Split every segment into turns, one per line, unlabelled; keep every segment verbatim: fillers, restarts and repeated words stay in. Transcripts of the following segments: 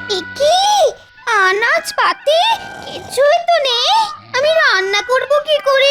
একি আনাজ পাতি কিছুই তো নেই, আমি রান্না করব কি করে?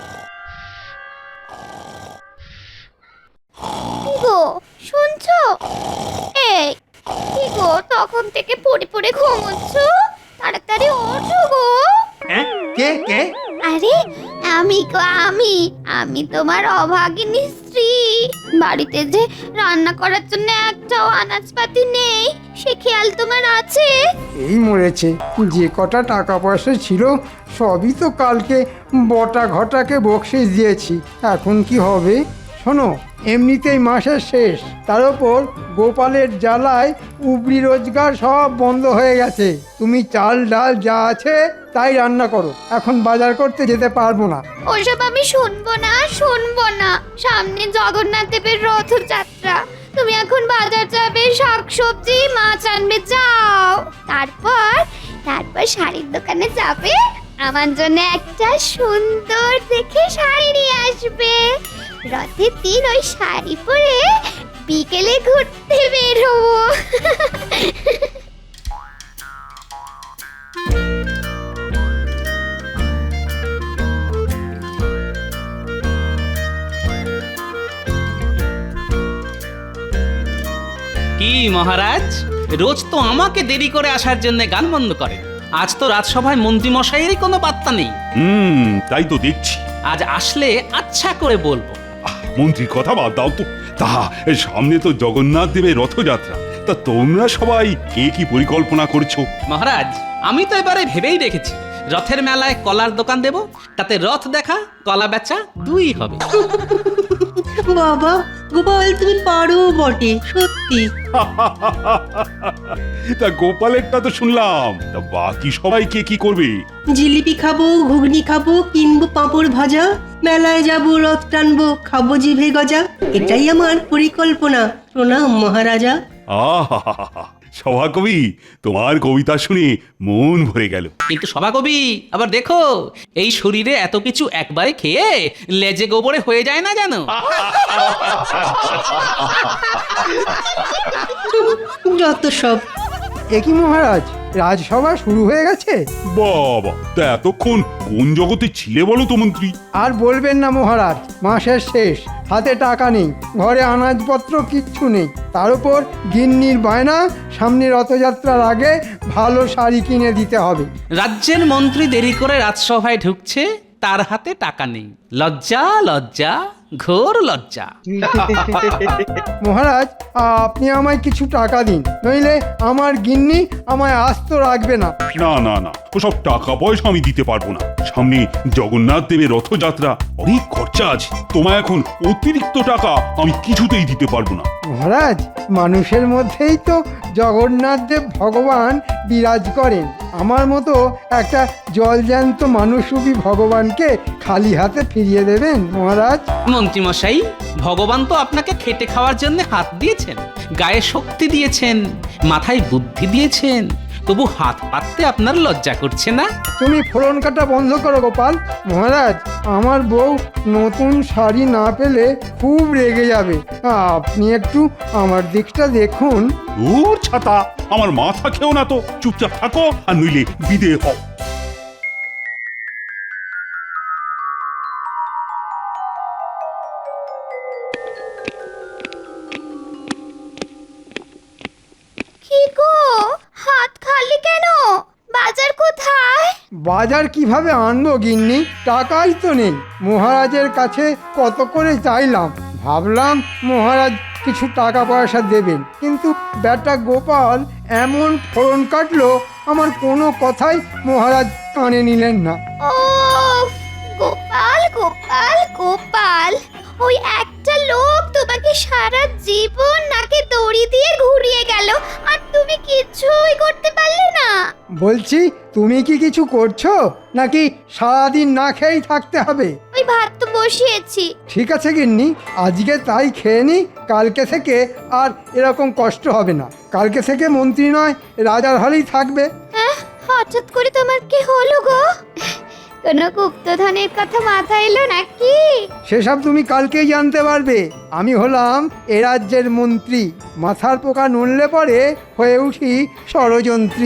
কি গো শুনছো? এই কি গো তখন থেকে পড়ে পড়ে ঘুমোচ্ছ? তাড়াতাড়ি ওঠো গো।
হ্যাঁ, কে কে?
আরে আমি গো আমি আমি তোমার অভাগিনী স্ত্রী। বাড়িতে যে রান্না করার জন্য একটাও আনাজপাতি নেই সে খেয়াল তোমার আছে?
এই মরেছে, যে কটা টাকা পয়সা ছিল সবই তো কালকে বটা ঘটাকে বকশিস দিয়েছি। এখন কি হবে? শোনো, এমনিতেই মাসের শেষ, তার ওপর গোপালের জ্বালায় উপরি রোজগার সব বন্ধ হয়ে গেছে। তুমি চাল ডাল যা আছে তাই রান্না করো, এখন বাজার করতে যেতে পারবো না।
ওসব আমি শুনবো না শুনবো না। সামনে জগন্নাথ দেবের রথযাত্রা, তুমি এখন বাজার যাবে, শাকসবজি মাছ আনবে, যাও। তারপর তারপর শাড়ির দোকানে যাবে, আমার জন্য একটা সুন্দর দেখে শাড়ি নিয়ে আসবে। রথের দিন ওই শাড়ি পরে বিকেলে ঘুরতে বের হবো।
কি মহারাজ, রোজ তো আমাকে দেরি করে আসার জন্য গান বন্ধ করেন, আজ তো রাজসভায় মন্ত্রী মশাইয়েরই কোনো পাত্তা নেই।
হুম, তাই তো দেখছি।
আজ আসলে আচ্ছা করে বলবো।
আহ, মন্ত্রীর কথা বাদ দাও তো। তা সামনে তো জগন্নাথ দেবের রথযাত্রা, তা তোমরা সবাই কে কি পরিকল্পনা করছো?
মহারাজ, আমি তো এবারে ভেবেই রেখেছি রথের মেলায় কলার দোকান দেব, তাতে রথ দেখা কলা বেচা দুই হবে।
বাবা গোপাল, তুমি পারো বটে, সত্যি।
তা গোপালেরটা তো শুনলাম, তা বাকি সবাই কে কি করবে?
জিলিপি খাবো, ঘুগনি খাবো, কিনবো পাঁপড় ভাজা, মেলায় যাবো, রথ টানবো, খাবো জিভে গজা। এটাই আমার পরিকল্পনা। প্রণাম মহারাজা।
আহা, সভাকবি, তোমার কবিতা শুনে মন ভরে গেল।
কিন্তু সভাকবি, আবার দেখো এই শরীরে এত কিছু একবারে খেয়ে লেজে গোবরে হয়ে যায় না জানো।
যত সব।
একই মহারাজ, রাজসভা শুরু হয়ে গেছে?
বাবা, তা এতক্ষণ কোন জগতে ছিলে বলো তো মন্ত্রী?
আর বলবেন না মহারাজ, মাসের শেষ, হাতে টাকা নেই, ঘরে আনাজপত্র কিচ্ছু নেই, তার উপর গিন্নির বায়না সামনে রথযাত্রার আগে ভালো শাড়ি কিনে দিতে হবে।
রাজ্যের মন্ত্রী দেরি করে রাজসভায় ঢুকছে, তার হাতে টাকা নেই। লজ্জা লজ্জা, ঘোর লজ্জা।
মহারাজ, আপনি আমায় কিছু টাকা দিন, নইলে আমার গিন্নি আমায় আস্ত রাখবে না।
না না না, ওসব টাকা পয়সা আমি দিতে পারবো না। সামনে জগন্নাথ দেবের রথযাত্রা, অনেক খরচা আছে। তোমায় এখন অতিরিক্ত টাকা আমি কিছুতেই দিতে পারবো না।
মহারাজ, মানুষের মধ্যেই তো জগন্নাথ দেব ভগবান বিরাজ করেন। আমার মতো একটা জলজ্যান্ত মানুষরূপী ভগবানকে খালি হাতে ফিরিয়ে দেবেন মহারাজ?
মন্ত্রী মশাই, ভগবান তো আপনাকে খেটে খাওয়ার জন্য হাত দিয়েছেন, গায়ে শক্তি দিয়েছেন, মাথায় বুদ্ধি দিয়েছেন, তবু হাত পাততে আপনার লজ্জা করছে না?
তুমি ফোড়ন কাটা বন্ধ করো গোপাল। মহারাজ, আমার বউ নতুন শাড়ি না পেলে খুব রেগে যাবে। আপনি একটু আমার দিকটা দেখুন।
দূর ছাতা, আমার মাথা খেও না তো, চুপচাপ থাকো আর নইলে বিদে হও।
কি গো, হাত খালি কেন? বাজার কোথায়?
বাজার কিভাবে আনবো গিন্নি? টাকাই তো নেই। মহারাজের কাছে কত করে চাইলাম, ভাবলাম মহারাজ কিছু টাকা পয়সা দেবেন, কিন্তু বেটা গোপাল এমন ফোড়ন কাটলো, আমার কোনো কথাই মহারাজ কানে নিলেন না।
ও গোপাল গোপাল গোপাল, ওই একটা লোক তোমাকে সারা জীবন নাকে দড়ি দিয়ে ঘুরিয়ে গেল, আর তুমি কিছুই করতে পারলে না।
বলছি, তুমি কি কিছু করছো নাকি সারাদিন না খেয়েই থাকতে হবে?
ওই ভাত তো বসিয়েছি।
ঠিক আছে গিন্নি, আজকে তাই খেয়ে নি, কালকে থেকে আর এরকম কষ্ট হবে না। কালকে থেকে মন্ত্রী নয়, রাজার হালেই থাকবে।
হঠাৎ করে তোমার কি হলো গো? কোনো গুপ্তধনের কথা মাথায় এলো নাকি?
সেসব তুমি কালকেই জানতে পারবে। আমি হলাম এ রাজ্যের মন্ত্রী, মাথার পোকা নড়লে পরে হয়ে উঠি ষড়যন্ত্রী।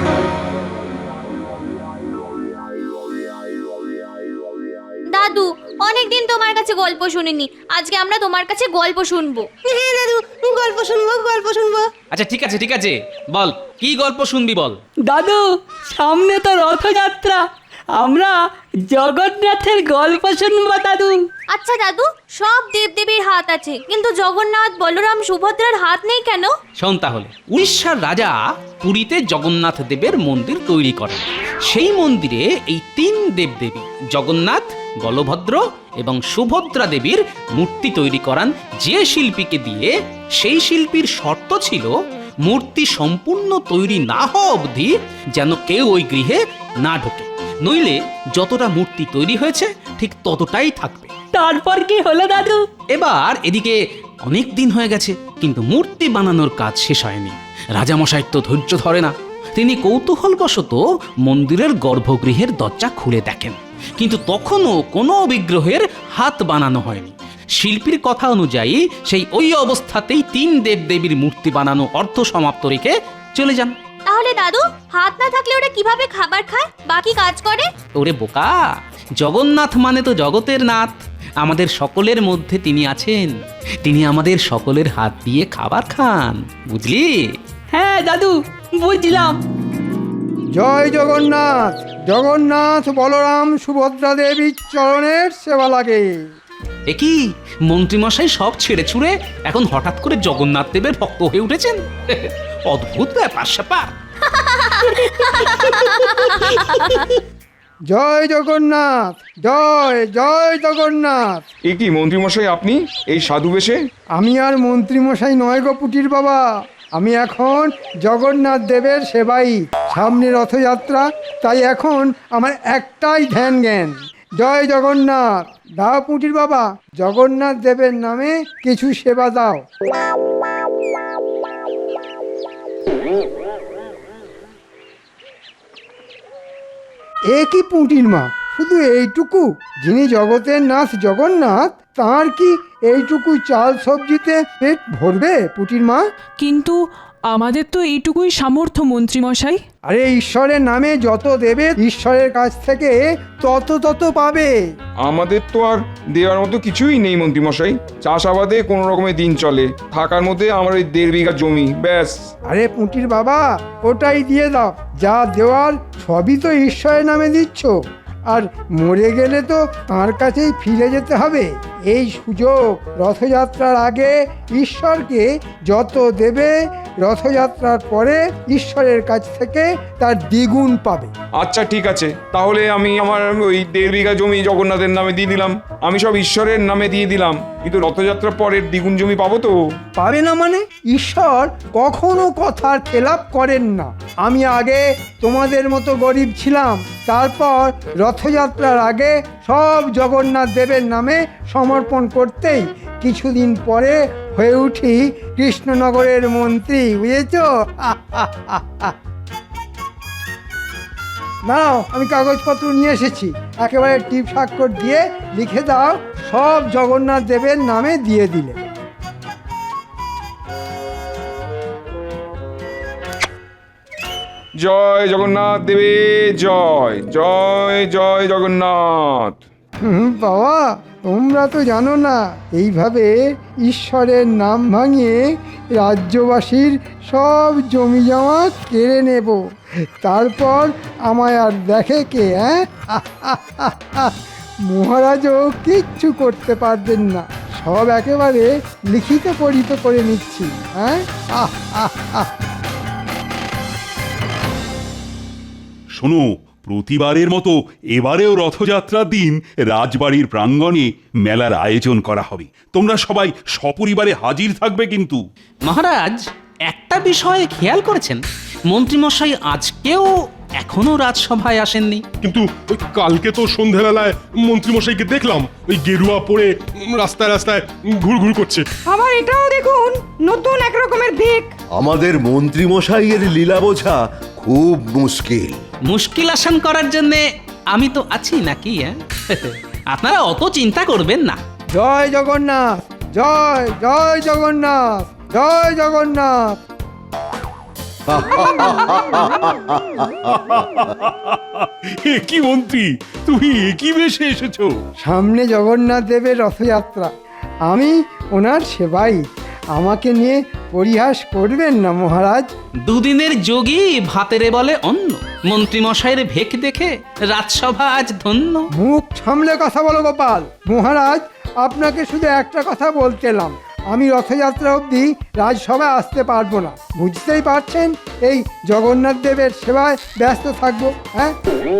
দাদু, অনেকদিন তোমার কাছে গল্প শুনিনি, আজকে আমরা তোমার কাছে গল্প শুনবো।
হ্যাঁ দাদু, গল্প শুনবো গল্প শুনবো।
আচ্ছা ঠিক আছে ঠিক আছে, বল কি গল্প শুনবি বল।
দাদু, সামনে তো রথযাত্রা, আমরা জগন্নাথের গল্প শুনবো দাদু।
আচ্ছা দাদু, সব দেবদেবীর হাত আছে, কিন্তু জগন্নাথ, বলরাম, সুভদ্রার হাত নেই কেন?
শোন তাহলে, উড়িষ্যার রাজা পুরীতে জগন্নাথ দেবের মন্দির তৈরি করেন। সেই মন্দিরে এই তিন দেবদেবী জগন্নাথ, বলভদ্র এবং সুভদ্রা দেবীর মূর্তি তৈরি করান যে শিল্পীকে দিয়ে। সেই শিল্পীর শর্ত ছিল মূর্তি সম্পূর্ণ তৈরি না হওয়া অবধি যেন কেউ ওই গৃহে না ঢোকে, নইলে যতটা মূর্তি তৈরি হয়েছে ঠিক ততটাই থাকবে।
তারপর কি হলো দাদু?
এবার এদিকে অনেক দিন হয়ে গেছে, কিন্তু মূর্তি বানানোর কাজ শেষ হয়নি। রাজামশাইয়ের তো ধৈর্য ধরে না। তিনি কৌতূহলবশত মন্দিরের গর্ভগৃহের দরজা খুলে দেখেন, কিন্তু তখনও কোনো বিগ্রহের হাত বানানো হয়নি। শিল্পীর কথা অনুযায়ী সেই ওই অবস্থাতেই তিন দেবদেবীর মূর্তি বানানো অর্ধ সমাপ্ত রেখে চলে যান।
তাহলে দাদু, হাত না থাকলে ওরা কিভাবে খাবার খায়, বাকি কাজ করে?
ওরে বোকা, জগন্নাথ মানে তো জগতের নাথ। আমাদের সকলের মধ্যে তিনি আছেন, তিনি আমাদের সকলের হাত দিয়ে খাবার খান, বুঝলি?
হ্যাঁ দাদু, বুঝলাম।
জয় জগন্নাথ। জগন্নাথ, বলরাম, সুভদ্রা দেবীর চরণের সেবা লাগে।
এ কি, মন্ত্রীমশাই সব ছেড়ে ছুড়ে এখন হঠাৎ করে জগন্নাথ দেবের ভক্ত হয়ে উঠেছেন? অদ্ভুত ব্যাপার স্যাপার।
জয় জগন্নাথ, জয় জয় জগন্নাথ।
এ কি মন্ত্রীমশাই, আপনি এই সাধু বেশে?
আমি আর মন্ত্রীমশাই নয় গো পুটির বাবা, আমি এখন জগন্নাথ দেবের সেবাই। সামনে রথযাত্রা, তাই এখন আমার একটাই ধ্যান জ্ঞান। জয় জগন্নাথ। দাও পুটির বাবা, জগন্নাথ দেবের নামে কিছু সেবা দাও। এ কি পুঁটির মা, শুধু এইটুকু? যিনি জগতের নাথ জগন্নাথ, তার কি এইটুকু চাল সবজিতে পেট ভরবে পুঁটির মা?
কিন্তু আমাদের তো এইটুকুই সামর্থ্য মন্ত্রীমশাই।
আরে ঈশ্বরের নামে যত দেবে ঈশ্বরের কাছ থেকে তত তত পাবে।
আমাদের তো আর দেওয়ার মতো কিছুই নেই মন্ত্রীমশাই। চাষাবাদে কোনো রকমের দিন চলে, থাকার মধ্যে আমার ওই দেড় বিঘা জমি, ব্যাস।
আরে পুঁটির বাবা, ওটাই দিয়ে দাও। যা দেওয়ার সবই তো ঈশ্বরের নামে দিচ্ছ, আর মরে গেলে তো তার কাছেই ফিরে যেতে হবে। এই সুযোগ, রথযাত্রার আগে ঈশ্বরকে যত দেবে, রথযাত্রার পরে ঈশ্বরের কাছ থেকে তার দ্বিগুণ পাবে।
আচ্ছা ঠিক আছে, তাহলে আমি আমার ওই দেড় বিঘা জমি জগন্নাথের নামে দিয়ে দিলাম। আমি সব ঈশ্বরের নামে দিয়ে দিলাম, কিন্তু রথযাত্রার পরের দ্বিগুণ জমি পাবো তো?
পাবে না মানে? ঈশ্বর কখনো কথার খেলাপ করেন না। আমি আগে তোমাদের মতো গরিব ছিলাম, তারপর রথযাত্রার আগে সব জগন্নাথ দেবের নামে সমর্পণ করতেই কিছুদিন পরে হয়ে উঠি কৃষ্ণনগরের মন্ত্রী, বুঝেছ? নাও, আমি কাগজপত্র নিয়ে এসেছি। একেবারে টিপ স্বাক্ষর দিয়ে লিখে দাও, সব জগন্নাথ দেবের নামে দিয়ে দিলে।
জয় জগন্নাথ দেবে জয়, জয় জয় জগন্নাথ।
হুম, বাবা, তোমরা তো জানো না, এইভাবে ঈশ্বরের নাম ভাঙিয়ে রাজ্যবাসীর সব জমি জমা কেড়ে নেব, তারপর আমায় আর দেখে কে? হ্যাঁ, মহারাজও কিচ্ছু করতে পারবেন না। সব একেবারে লিখিত পরিত করে নিচ্ছি। হ্যাঁ, আহ আহ আহ
শোনো, প্রতিবারের মতো এবারেও রথযাত্রার দিন রাজবাড়ির প্রাঙ্গণে মেলার আয়োজন করা হবে। তোমরা সবাই সপরিবারে হাজির থাকবে কিন্তু।
মহারাজ, একটা বিষয়ে খেয়াল করেছেন, মন্ত্রীমশাই আজকেও এখনো রাজসভায় আসেননি।
কিন্তু ওই কালকে তো সন্ধ্যাবেলায় মন্ত্রীমশাইকে দেখলাম ওই গেরুয়া পরে উম, রাস্তায় রাস্তায় ঘুরঘুর করছে।
আবার এটাও দেখুন, নতুন এক রকমের ভিক।
আমাদের মন্ত্রী মশাইয়ের লীলা বোঝা খুব মুশকিল।
মুশকিল আসান করার জন্য আমি তো আছি নাকি হ্যাঁ আপনারা অত চিন্তা করবেন না।
জয় জগন্নাথ, জয় জয় জগন্নাথ, জয় জগন্নাথ।
এ কি মন্ত্রী, তুমি একই বেশে এসেছো?
সামনে জগন্নাথ দেবের রথযাত্রা, আমি ওনার সেবাই। আমাকে নিয়ে পরিহাস করবেন না মহারাজ।
দুদিনের যোগী ভাতেরে বলে অন্ন, মন্ত্রী মশাইয়ের ভেক দেখে রাজসভা আজ ধন্য।
মুখ সামলে কথা বলো গোপাল। মহারাজ, আপনাকে শুধু একটা কথা বলতেলাম, আমি রথযাত্রা অবধি রাজসভায় আসতে পারবো না। বুঝতেই পারছেন, এই জগন্নাথ দেবের সেবায় ব্যস্ত থাকবো। হ্যাঁ,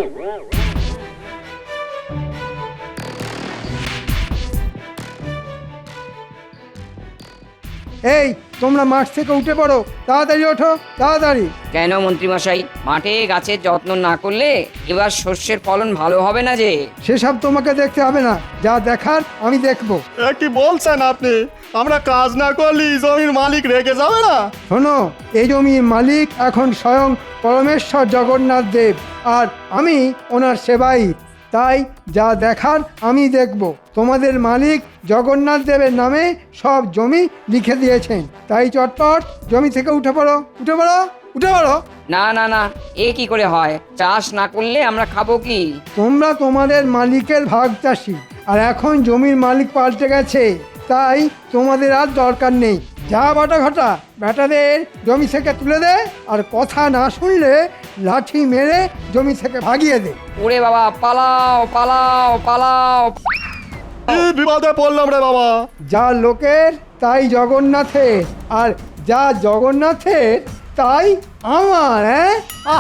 এই তোমরা মাঠ থেকে উঠে পড়ো, তাড়াতাড়ি ওঠো, তাড়াতাড়ি।
কেন মন্ত্রীমশাই, মাঠে গাছের যত্ন না করলে এবার শস্যের ফলন ভালো হবে না যে?
সেসব তোমাকে দেখতে হবে না, যা দেখার আমি দেখবো।
কি বলছেন আপনি? আমরা কাজ না করলে জমির মালিক রেগে যাবে না?
শোনো, এই জমির মালিক এখন স্বয়ং পরমেশ্বর জগন্নাথ দেব, আর আমি ওনার সেবাই। তাই যা দেখার আমি দেখব। তোমাদের মালিক জগন্নাথ দেবের নামে সব জমি লিখে দিয়েছেন, তাই চটপট জমি থেকে উঠে পড়ো, উঠে পড়ো, উঠে পড়ো।
না না না, এ কি করে হয়? চাষ না করলে আমরা খাবো কি?
তোমরা তোমাদের মালিকের ভাগ চাষি, আর এখন জমির মালিক পাল্টে গেছে, তাই তোমাদের আর দরকার নেই। যা বাটা ঘটা, বেটাদের জমি থেকে তুলে দে, আর কথা না শুনলে লাঠি মেরে জমি থেকে ভাগিয়ে দে।
ওরে বাবা, পালাও পালাও পালাও!
বিপদে পড়লাম রে বাবা।
যা লোকের তাই জগন্নাথের, আর যা জগন্নাথের তাই আমার। হ্যাঁ,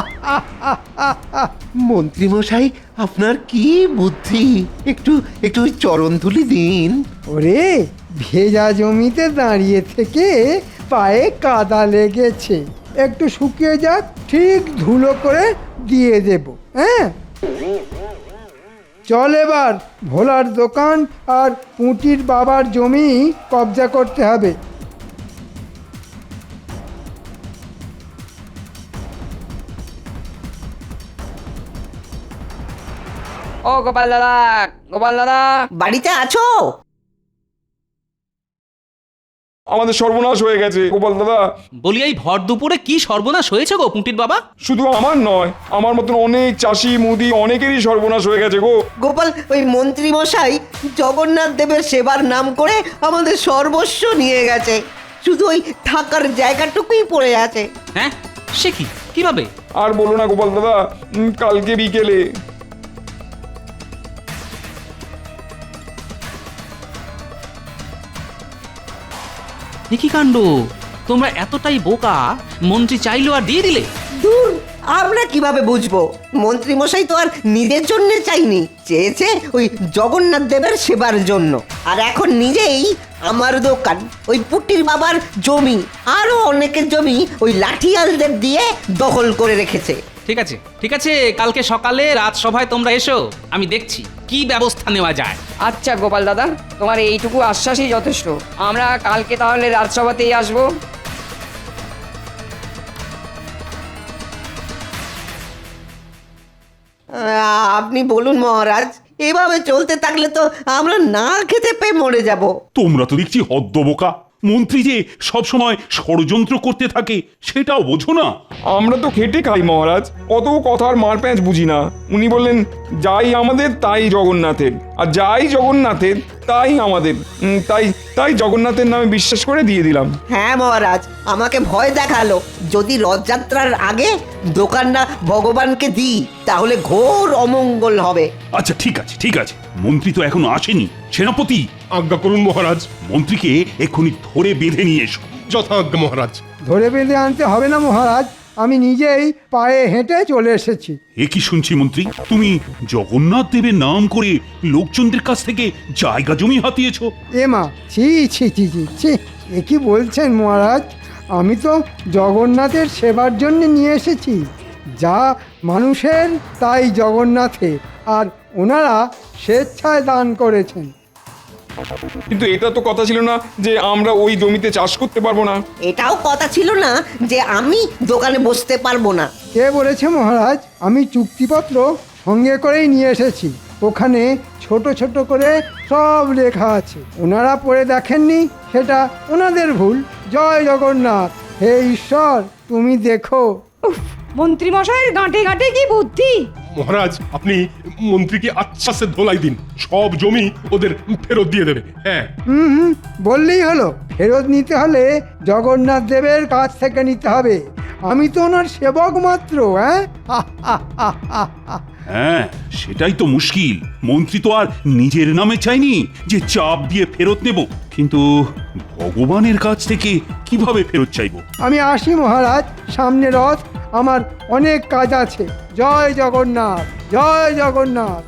মন্ত্রী মশাই, আপনার কি বুদ্ধি! একটু একটু চরণ ধুলি দিন।
ওরে, ভেজা জমিতে দাঁড়িয়ে থেকে পায়ে কাদা লেগেছে, একটু শুকিয়ে যাক, ঠিক ধুলো করে দিয়ে দেব। হ্যাঁ, চল এবার ভোলার দোকান আর পুঁটির বাবার জমি কবজা করতে হবে।
ও গোপাল দাদা, গোপাল দাদা!
বাড়িতে আছো?
আমাদের সর্বনাশ হয়ে গেছে গোপাল দাদা।
বলি এই ভর দুপুরে কি সর্বনাশ হয়েছে গো পুঁটির বাবা?
শুধু আমার নয়, আমার মতন অনেক চাষি মুদি অনেকেরই সর্বনাশ হয়ে গেছে গো।
গোপাল, ওই মন্ত্রী মশাই জগন্নাথ দেবের সেবার নাম করে আমাদের সর্বস্ব নিয়ে গেছে, শুধু ওই থাকার জায়গাটুকুই পড়ে আছে।
হ্যাঁ, সে কি, কিভাবে?
আর বলো না গোপাল দাদা, উম, কালকে বিকেলে
কি কাণ্ড! তোমরা এতটাই বোকা, মন্ত্রী চাইলো আর দিয়ে দিলে?
দূর, আমরা কিভাবে বুঝবো? মন্ত্রী মশাই তো আর নিজের জন্য চাইনি, চেয়েছে ওই জগন্নাথ দেবের সেবার জন্য। আর এখন নিজেই আমার দোকান, ওই পুটির বাবার জমি, আরো অনেকের জমি ওই লাঠিয়ালদের দিয়ে দখল করে রেখেছে।
ঠিক আছে, ঠিক আছে, কালকে সকালে রাজসভায় তোমরা এসো, আমি দেখছি কি ব্যবস্থা নেওয়া যায়।
আচ্ছা গোপাল দাদা, তোমার এইটুকু আশ্বাসই যথেষ্ট। আমরা কালকে তাহলে রাজসভাতেই আসবো।
আহ, আপনি বলুন মহারাজ, এভাবে চলতে থাকলে তো আমরা না খেতে পেয়ে মরে যাব।
তোমরা তো দেখছি হদ্দবোকা। মন্ত্রী যে সবসময় ষড়যন্ত্র করতে থাকে সেটাও বোঝো না।
আমরা তো খেটে খাই মহারাজ, অত কথার মার প্যাঁচ বুঝি না। উনি বললেন যাই আমাদের তাই জগন্নাথের, আর যাই জগন্নাথের তাই আমাদের। উম, তাই তাই জগন্নাথের নামে বিশ্বাস করে দিয়ে দিলাম।
হ্যাঁ মহারাজ, আমাকে ভয় দেখালো, যদি রথযাত্রার আগে দোকানটা ভগবানকে দিই তাহলে ঘোর অমঙ্গল হবে।
আচ্ছা ঠিক আছে, ঠিক আছে, মন্ত্রী তো এখনো আসেনি। সেনাপতি,
আজ্ঞা করুন মহারাজ।
মন্ত্রীকে এক্ষুনি ধরে বেঁধে নিয়ে এসো।
যথাজ্ঞা মহারাজ।
ধরে বেঁধে আনতে হবে না মহারাজ, আমি নিজেই পায়ে হেঁটে চলে এসেছি।
এ কি শুনছি মন্ত্রী, তুমি জগন্নাথ দেবের নাম করে লোকজনদের কাছ থেকে জায়গা জমি হাতিয়েছো?
এ মা, ছি ছি ছি ছি ছি, এ কি বলছেন মহারাজ? আমি তো জগন্নাথের সেবার জন্য নিয়ে এসেছি। যা মানুষের তাই জগন্নাথের, আর ওনারা স্বেচ্ছায় দান করেছেন।
কিন্তু এটা তো কথা ছিল না যে আমরা ওই জমিতে চাষ করতে পারবো না।
এটাও কথা ছিল না যে আমি দোকানে বসতে পারবো না।
কে বলেছে মহারাজ? আমি চুক্তিপত্র সঙ্গে করেই নিয়ে এসেছি। ওখানে ছোট ছোট করে সব লেখা আছে। ওনারা পড়ে দেখেননি, সেটা ওনাদের ভুল। জয় জগন্নাথ। হে ঈশ্বর, তুমি দেখো।
মন্ত্রী মশাইয়ের গাঁটে গাঁটে কি বুদ্ধি!
মহারাজ আপনি মন্ত্রীকে আচ্ছা সে ধোলাই দিন, সব জমি ওদের ফেরত দিয়ে দেবে। হ্যাঁ
হুম হুম বললেই হলো। ফেরত নিতে হলে জগন্নাথ দেবের কাছ থেকে নিতে হবে। আমি তো ওনার সেবক মাত্র। হ্যাঁ
হ্যাঁ, সেটাই তো মুশকিল। মন্ত্রী তো আর নিজের নামে চাইনি যে চাপ দিয়ে ফেরত নেব, কিন্তু ভগবানের কাছ থেকে কিভাবে ফেরত চাইবো?
আমি আসি মহারাজ, সামনে রথ, আমার অনেক কাজ আছে। জয় জগন্নাথ, জয় জগন্নাথ।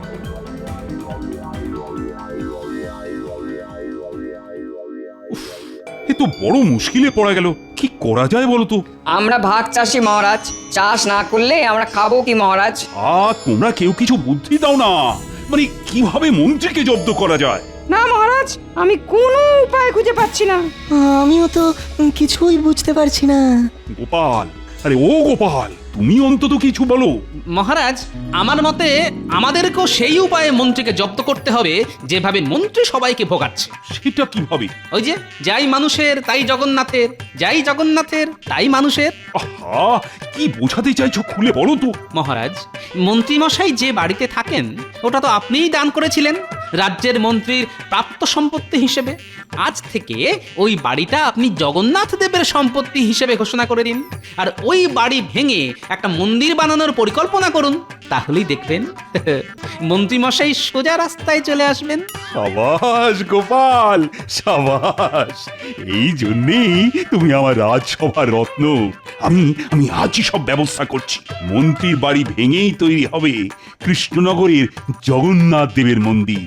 এ তো বড় মুশকিলে পড়া গেল। কি করা যায় বলো তো?
আমরা ভাগ চাষি মহারাজ, চাষ না করলে আমরা খাবো কি মহারাজ?
আ তোমরা কেউ কিছু বুদ্ধি দাও না, মানে কিভাবে মন্ত্রীকে জব্দ করা যায়?
না মহারাজ, আমি কোনো উপায় খুঁজে পাচ্ছি না।
আমিও তো কিছুই বুঝতে পারছি না।
গোপাল, আরে ও গোপাল, তুমি অন্তত কিছু বলো।
মহারাজ, আমার মতে আমাদেরকেও সেই উপায়ে মন্ত্রীকে জব্দ করতে হবে যেভাবে মন্ত্রী সবাইকে ভোগাচ্ছে।
সেটা কিভাবে?
ওই যে, যাই মানুষের তাই জগন্নাথের, যাই জগন্নাথের তাই মানুষের।
আহা, কি বোঝাতে চাইছো খুলে বলো তো।
মহারাজ, মন্ত্রীমশাই যে বাড়িতে থাকেন ওটা তো আপনিই দান করেছিলেন রাজ্যের মন্ত্রীর প্রাপ্ত সম্পত্তি হিসেবে। আজ থেকে ওই বাড়িটা আপনি জগন্নাথ দেবের সম্পত্তি হিসেবে ঘোষণা করে দিন, আর ওই বাড়ি ভেঙে একটা মন্দির বানানোর পরিকল্পনা করুন। তাহলেই দেখবেন মন্ত্রীমশাই সোজা রাস্তায় চলে আসবেন।
সাবাস গোপাল, সাবাস। এই জন্যেই তুমি আমার রাজসভার রত্ন। আমি আমি আজই সব ব্যবস্থা করছি। মন্ত্রীর বাড়ি ভেঙেই তৈরি হবে কৃষ্ণনগরের জগন্নাথ দেবের মন্দির।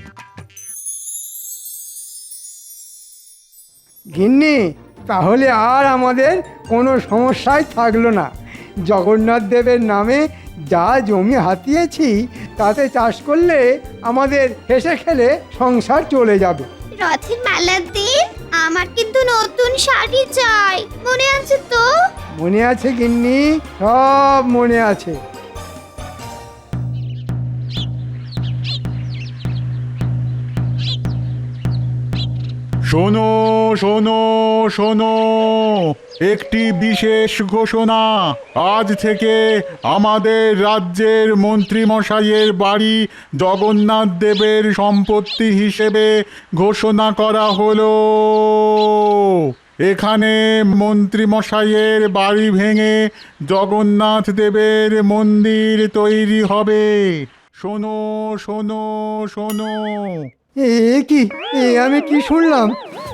গিন্নি, তাহলে আর আমাদের কোনো সমস্যাই থাকলো না। জগন্নাথ দেবের নামে যা জমি হাতিয়েছি তাতে চাষ করলে আমাদের হেসে খেলে সংসার চলে যাবে।
রথের মেলার দিন আমার কিন্তু নতুন শাড়ি চাই, মনে আছে তো?
মনে আছে গিন্নি, সব মনে আছে।
শোনো শোনো শোনো, একটি বিশেষ ঘোষণা। আজ থেকে আমাদের রাজ্যের মন্ত্রীমশাইয়ের বাড়ি জগন্নাথ দেবের সম্পত্তি হিসেবে ঘোষণা করা হলো। এখানে মন্ত্রীমশাইয়ের বাড়ি ভেঙে জগন্নাথ দেবের মন্দির তৈরি হবে। শোনো শোনো শোনো।
এ কি, এ আমি কি শুনলাম?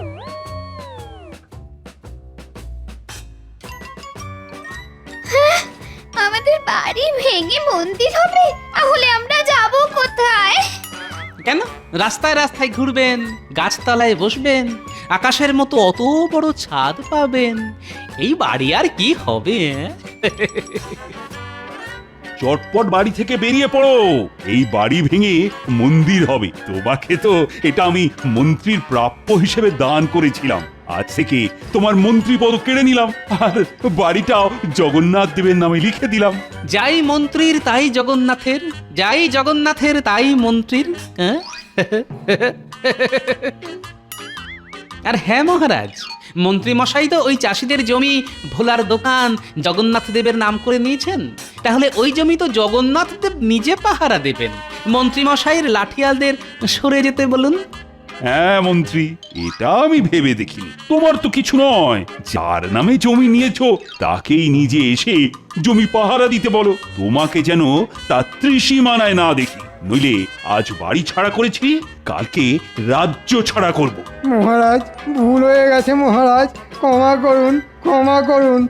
আমাদের বাড়ি ভেঙে মন্দির হবে? তাহলে আমরা যাব কোথায়?
কেন? রাস্তায় রাস্তায় ঘুরবেন, গাছতলায় বসবেন, আকাশের মতো অত বড় ছাদ পাবেন। এই বাড়ি আর কি হবে?
চটপট বাড়ি থেকে বেরিয়ে পড়ো। এই বাড়ি ভেঙে মন্দির হবে। তোমাকে তো এটা আমি মন্ত্রীর প্রাপ্য হিসেবে দান করেছিলাম। আজ থেকে তোমার মন্ত্রী পদ কেড়ে নিলাম, আর বাড়িটাও জগন্নাথ দেবের নামে লিখে দিলাম।
যাই মন্ত্রীর তাই জগন্নাথের, যাই জগন্নাথের তাই মন্ত্রীর। হ্যাঁ? আর হ্যাঁ মহারাজ, মন্ত্রী মশাই তো ওই চাষিদের জমি ভোলার দোকান জগন্নাথ দেবের নাম করে নিয়েছেন। তাহলে ওই জমি তো জগন্নাথ দেব নিজে পাহারা দেবেন। মন্ত্রী মশাইয়ের লাঠিয়ালদের সরে যেতে বলুন।
হ্যাঁ মন্ত্রী, এটা আমি ভেবে দেখিনি। তোমার তো কিছু নয়, যার নামে জমি নিয়েছো তাকেই নিজে এসে জমি পাহারা দিতে বলো। তোমাকে যেন তার ত্রিসীমানায় না দেখি, নইলে আজ বাড়ি ছাড়া করেছি, কালকে রাজ্য ছাড়া করব।
মহারাজ, ভুল হয়ে গেছে মহারাজ, ক্ষমা করুন, ক্ষমা করুন।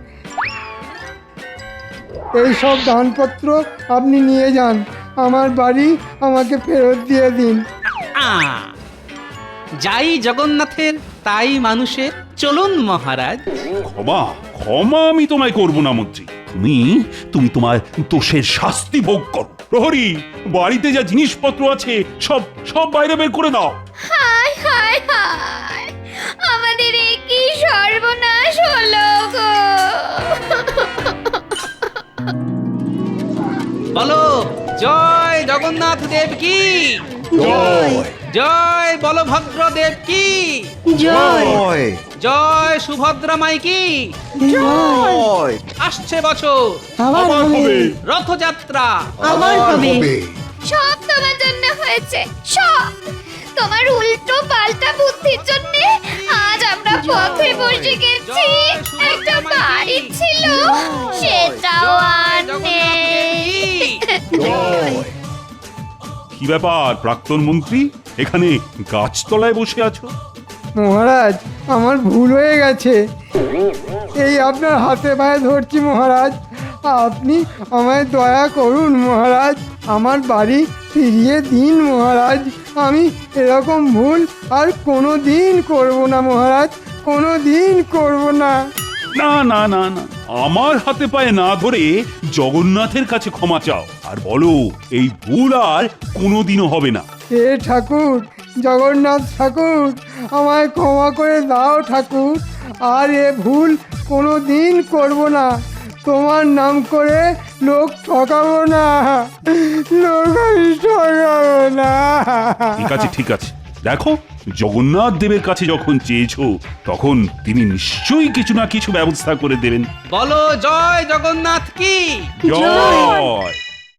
এই সব দানপত্র আপনি নিয়ে যান, আমার বাড়ি আমাকে ফেরত দিয়ে দিন।
আ, যাই জগন্নাথের তাই মানুষের। চলুন মহারাজ।
ক্ষমা ক্ষমা আমি তোমায় করব না মন্ত্রী। তুমি তুমি তোমার দোষের শাস্তি ভোগ করো। প্রহরী, বাড়িতে যা জিনিসপত্র আছে সব সব বাইরে বের করে দাও।
হায় হায় হায়, আমাদের এ কি সর্বনাশ হলো গো!
বলো, জয় জগন্নাথ দেব কি
জয়
জয় বলভদ্র দেব কি
জয়
জয় সুভদ্রা মাই কি
জয়
আসছে বছর
আবার হবে
রথযাত্রা
হবে
সব তোমার জন্য হয়েছে সব তোমার উল্টো পাল্টা বুদ্ধির জন্য আজ আমরা পথে বসে গেছি একটা বাড়ি ছিল সেটাও আর নেই
কি ব্যাপার প্রাক্তন মন্ত্রী এখানে গাছতলায় বসে আছো?
মহারাজ আমার ভুল হয়ে গেছে, এই আপনার হাতে পায়ে ধরছি মহারাজ, আপনি আমায় দয়া করুন মহারাজ, আমার বাড়ি ফিরিয়ে দিন মহারাজ, আমি এরকম ভুল আর কোনো দিন করবো না মহারাজ, কোনো দিন করবো না।
না না না না আমার হাতে পায়ে না ধরে জগন্নাথের কাছে ক্ষমা চাও আর বলো এই ভুল আর কোনোদিনও হবে না।
হে ঠাকুর, জগন্নাথ ঠাকুর, আমায় ক্ষমা করে দাও ঠাকুর, আর এ ভুল কোনো দিন করবো না, তোমার নাম করে লোক ঠকাবো না, লোক আমি ঠকাবো না।
ঠিক আছে ঠিক আছে দেখো জগন্নাথ দেবের কাছে যখন চেয়েছো তখন তিনি নিশ্চয়ই কিছু না কিছু ব্যবস্থা করে দেবেন।
বলো জয় জগন্নাথ কি
জয়